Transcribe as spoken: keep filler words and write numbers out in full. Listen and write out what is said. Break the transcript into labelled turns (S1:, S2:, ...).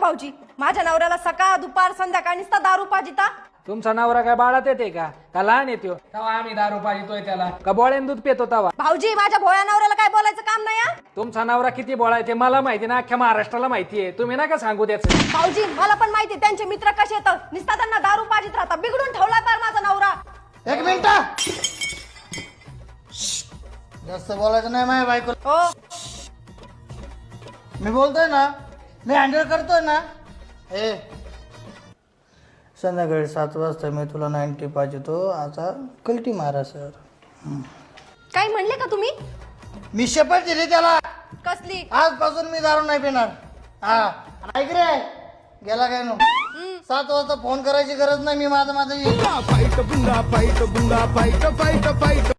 S1: भाऊजी, माझ्या नवऱ्याला सकाळ दुपार संध्याकाळ नुसता दारू पाजिता.
S2: तुमचा नवरा काय बाळात येते का का लहान येतो तवा आम्ही दारू पाजितोय त्याला का बोळ्यान दूध पितो तवा.
S1: भाऊजी, माझ्या भोळ्या नवऱ्याला काय बोलायचं काम नाही हा.
S2: तुमचा नवरा किती बोळा आहे ते मला माहिती ना, अख्ख्या महाराष्ट्राला माहिती आहे. तुम्ही नका सांगू त्याचं.
S1: भाऊजी, मला पण माहिती त्यांचे मित्र कसे येतात, नुसता त्यांना दारू पाजित राहतात. बिघडून ठेवला पार माझा नवरा.
S3: एक मिनिट, जास्त बोलायचं नाही माझ्या बायको.
S1: हो,
S3: मी बोलतोय ना, मी हँडल करतोय ना. ए संध्याकाळी सात वाजता मी तुला नाईन्टी पाहिजेतो. आता कलटी मारा सर.
S1: काय म्हणले का तुम्ही?
S3: मी शपथ दिली त्याला,
S1: कसली?
S3: आजपासून मी दारू नाही पिणार. हा ऐक रे, गेला काय नो. सात वाजता फोन करायची गरज नाही. मी माझं माझं
S4: फाईट बुंगा फाईट बुंगा फाईट फाईट फाईट